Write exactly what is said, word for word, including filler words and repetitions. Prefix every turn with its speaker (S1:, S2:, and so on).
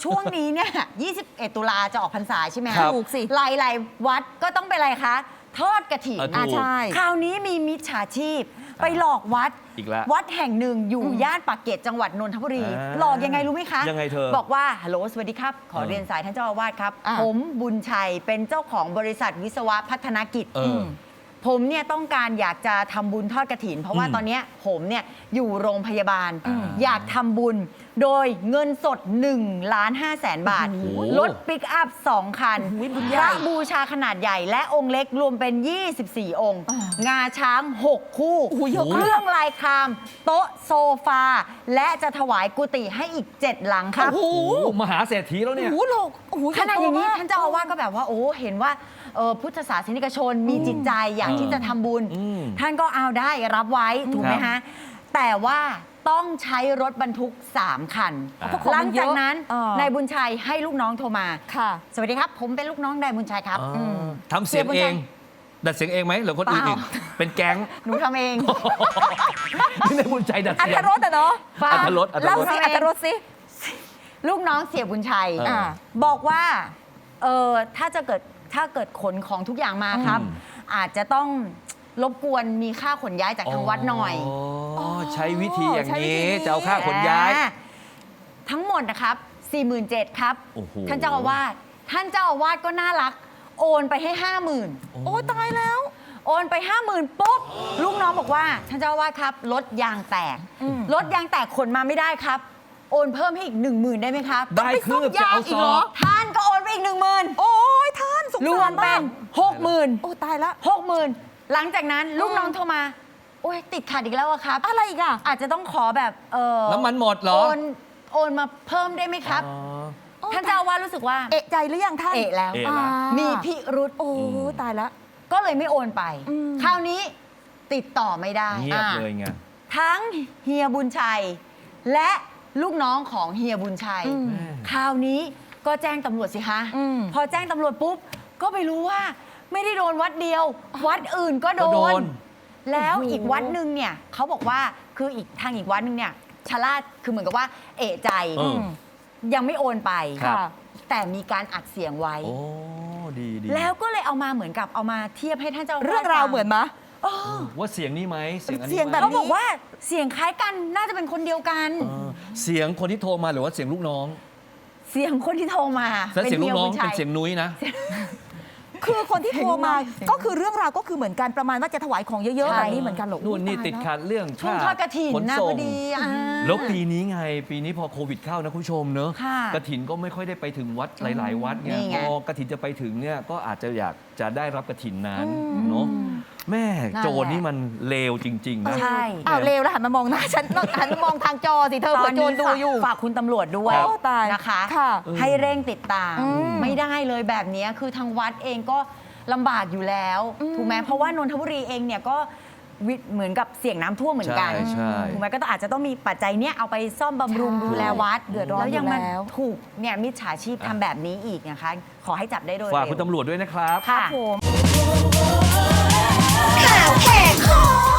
S1: ช่วงนี้เนี่ย ยี่สิบเอ็ด ตุลาจะออกพรรษาใช่ไหม
S2: ครับ
S1: ถูกสิหลายๆวัดก็ต้องเป็นอะไรคะ ทอดกฐิน
S2: อ่ะถูก
S1: อ่ะใช่คราวนี้มีมิจฉาชีพ ไปหลอกวัด
S2: อีกแล้ว
S1: วัดแห่งหนึ่งอยู่ย่านปากเกร็ดจังหวัดนนทบุรี
S2: อ่า
S1: หลอกยังไงรู้ไหมคะ
S2: ยังไงเธอ
S1: บอกว่าฮัลโหลสวัสดีครับ ขอ
S2: เออ
S1: เรียนสายท่านเจ้าอาวาสครับ
S3: อ่ะ
S1: ผมบุญชัยเป็นเจ้าของบริษัทวิศวะพัฒนกิจ
S2: เออ
S1: ผมเนี่ยต้องการอยากจะทำบุญทอดกฐิน เพราะว่า
S2: อืม
S1: ตอนเนี้ยผมเนี่ยอยู่โรงพยาบาล
S2: อืม
S1: อยากทำบุญ โดยเงินสด1ล้านห้าแสนบาท
S2: โอ้โห
S1: รถปิกอัพสองคัน
S3: โอ้โหบุญให
S1: พ
S3: ญ่
S1: ระบูชาขนาดใหญ่และองค์เล็กรวมเป็น ยี่สิบสี่ องค์ งาช้าง หก คู่
S3: โอ้โหเยอะมาก
S1: เครื่องลายคราม โต๊ะโซฟา และจะถวายกุฏิให้อีก เจ็ด หลังครับ
S3: โอ้โห
S2: โอ้มหาเศรษฐีแล้วเนี่ย
S3: โอ้โหโลกโอ้โห
S1: ขนาดอย่างนี้
S3: ใหญ่โตมก
S1: ท่านเจ้าอาวาสก็แบบว่าโอ้เห็นว่าเอ่อพุทธศาสนิกชนมีจิตใจอยากที่จะทำบุญ
S2: อืม
S1: ท่านก็เอาได้รับไว้ถูกไหม
S2: ครั
S1: ฮะ
S2: บ
S1: แต่ว่าต้องใช้รถบรรทุก สาม คัน
S2: อ่า
S1: หลังจากนั้น
S3: เออน
S1: ายบุญชัยให้ลูกน้องโทรมา
S3: ค่ะ
S1: สวัสดีครับ ผมเป็นลูกน้องนายบุญชัยครับ
S2: อ๋ออ
S1: ม
S2: ทำเสียงเอง ดัดเสียงเองไหมหรือคนอื่นอีก
S1: เปล่า
S2: เป็นแก๊ง
S1: หนูทำเอง
S2: นี่ในบุญใจดัด
S3: อั
S2: เสี
S3: ธ
S2: ยง
S3: รสอะเนาะ
S1: ฟัง
S2: อรรถรสอรรถรส
S3: เล่าสิ
S1: ทำเอง
S3: อัธรสสิ
S1: ลูกน้องเสียบุญชัย
S2: เอออ่
S1: าบอกว่าเออถ้าจะเกิดถ้าเกิดขนของทุกอย่างมาครับ
S2: อืม
S1: อาจจะต้องรบกวนมีค่าขนย้ายจากทางวัดหน่อย
S2: อ๋อใช้วิธีอย่าง
S3: ใช้วิธี
S2: นี้
S3: นี้
S2: จะเอาค่าขนย้าย
S1: อ่าทั้งหมดนะครับ สี่หมื่นเจ็ดพัน ครับ
S2: โอ้โห
S1: ท่านเจ้าอาวาสท่านเจ้าอาวาสก็น่ารัก โอนไปให้ ห้าหมื่น
S3: โอ้ตายแล้ว
S1: โอนไป ห้าหมื่นปุ๊บลูกน้องบอกว่าท่านเจ้าอาวาสครับรถยางแตก
S3: อืม
S1: รถยางแตกขนมาไม่ได้ครับ โอนเพิ่มให้อีก หนึ่งหมื่น ได้ไหมครับ
S2: ได้คืบจะเอา
S3: อี
S2: ซ
S3: กเหร
S2: อ
S3: อ
S2: ก
S1: ท่านก็โอนไปอีก หนึ่งหมื่น
S3: โอ้ยท่านสง
S1: ร
S3: สาว ร
S1: มเป็น หกหมื่น
S3: โอ้ตายละ
S1: หกหมื่นหลังจากนั้นลูกน้องโทรมา โอ้ยติดขัดอีกแล้วอะครับ
S3: อะไรอีกอะ
S1: อาจจะต้องขอแบบเออ
S2: น้ำมันหมดเหรอ
S1: โอนโอนมาเพิ่มได้ไหมครับ
S2: อ๋อ
S3: โอ้
S1: ท่านเจ้าอาวาสรู้สึกว่า
S3: เอะใจหรือยังท่าน
S1: เอะแล้ว
S2: เอะ
S3: อ่า
S1: มีพิรุษ
S3: โอ้ตายละ
S1: ก็เลยไม่โอนไป
S3: อืม
S1: คราวนี้ติดต่อไม่ได้
S2: เงียบ
S1: อ่ะ
S2: เลยไง
S1: ทั้งเฮียบุญชัย และลูกน้องของเฮียบุญชัย
S3: อืม
S1: คราวนี้ก็แจ้งตำรวจสิคะ
S3: อืม
S1: พอแจ้งตำรวจปุ๊บ ก็ไปรู้ว่าไม่ได้โดนวัดเดียว วัดอื่นก็โด
S2: ก็โด
S1: น
S2: น
S1: แล้ว
S3: โอ้โห
S1: อีกวัดหนึ่งเนี่ยเขาบอกว่าคืออีกทางอีกวัดหนึ่งเนี่ยชะล่าคือเหมือนกับว่าเอะใจ
S2: เออ
S1: ยังไม่โอนไป
S2: ครับ
S1: แต่มีการอัดเสียงไว้
S2: โอ้ดีดี
S1: แล้วก็เลยเอามาเหมือนกับเอามาเทียบให้ท่านเจ้าอาวาส
S3: เรื่องราว
S1: ฟั
S3: เหมือนมะ
S1: เออ
S2: ว่าเสียงนี้ไหมเสียงอันนี้
S3: เสียง
S2: ไหม
S3: แบบ
S1: เขาบอกว่าเสียงคล้ายกันน่าจะเป็นคนเดียวกัน
S2: เออเสียงคนที่โทรมาหรือว่าเสียงลูกน้อง
S1: เสียงคนที่โทรมา
S2: แล้วเสียงลูกน้อง
S1: ฮี
S2: เป็น
S1: บุญชัย
S2: เสียงนุ้ยนะ
S3: คือคนที่โทรมา
S1: เสียง
S3: ก็คือเรื่องราวก็คือเหมือนกันประมาณว่าจะถวายของเยอะๆ
S1: ใช่
S3: แบบนี้เหมือนกันเหรอ
S2: นู่นนี่
S3: ตาย
S2: ติด
S3: แล้ว
S2: ขัดเรื่อง
S1: ช่วง
S2: ค่า
S1: ทอดกระถิน
S2: ขน
S1: นะ
S2: ส่
S1: พอง ดีอ่า
S2: แล้วปีนี้ไง ปีนี้พอโควิดเข้านะคุณผู้ชมเนอะ
S1: ค่ะ
S2: กระถินก็ไม่ค่อยได้ไปถึงวัดหลาย ๆ วัดไง
S1: นี่ไง
S2: พอกระถินจะไปถึงเนี่ยก็อาจจะอยากจะได้รับกระถินนั้น
S3: อืม
S2: เนาะแม่
S1: นั่นแหละ
S2: โจรนี่มันเลวจริง ๆ นะ
S1: ใช่
S3: อ้าวเลวแล้วหันมามองหน้าฉันหันมามองทางจอสิเธอ
S1: ต
S3: เผื่
S1: อ
S3: อน โจ
S1: นี้
S3: รดูอยู่
S1: ฝากคุณตำรวจด้วย
S3: โอ้ตาย
S1: นะคะ
S3: ค่ะ
S1: ให้เร่งติดตาม
S3: อืม
S1: ไม่ได้เลยแบบนี้คือทางวัดเองก็ลำบากอยู่แล้ว
S3: อืม
S1: ถูกไหมเพราะว่านนทบุรีเองเนี่ยก็วิเหมือนกับเสี่ยงน้ำท่วมเหมือนกัน
S2: ใช่ใช่
S1: ถูกไหมก็ต้องอาจจะต้องมีปัจจัยเนี้ยเอาไปซ่อมบำรุง
S3: ใช่
S1: ดูแลวัด
S3: เดือดร้อน
S1: แล้วยังมา
S3: อยู่แล้ว
S1: ถูกเนี่ยมิจฉาชีพทำแบบนี้อีกนะคะ ขอให้จับได้โดย
S2: ฝาก
S1: เร็ว
S2: คุณตำรวจด้วยนะครับ
S1: ค่ะ
S3: ผม
S4: ข่าวแหกคอ